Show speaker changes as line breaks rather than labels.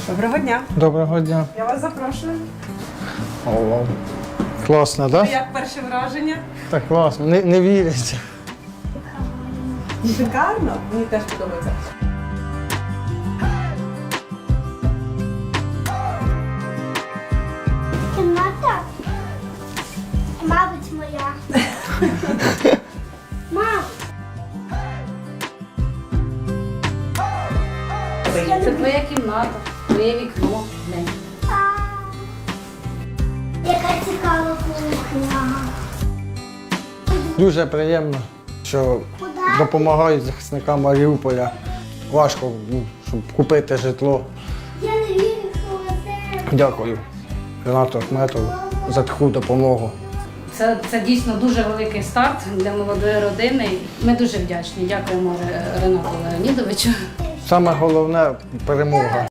Доброго дня.
Доброго дня.
Я вас запрошую.
О, класно, так? Да?
Як перше враження?
Так класно, не віриться.
Шикарно. Мені теж подобається.
Кімната, мабуть, моя. Мам,
Це твоя кімната, твоє вікно. Глянь.
яка цікава кухня.
Дуже приємно, що допомагають захисникам Маріуполя. Важко, щоб купити житло.
Я не вірю, що це.
Дякую Ренату Ахметову за таку допомогу.
Це дійсно дуже великий старт для молодої родини. Ми дуже вдячні. Дякуємо Ренату Леонідовичу.
Саме головне перемога.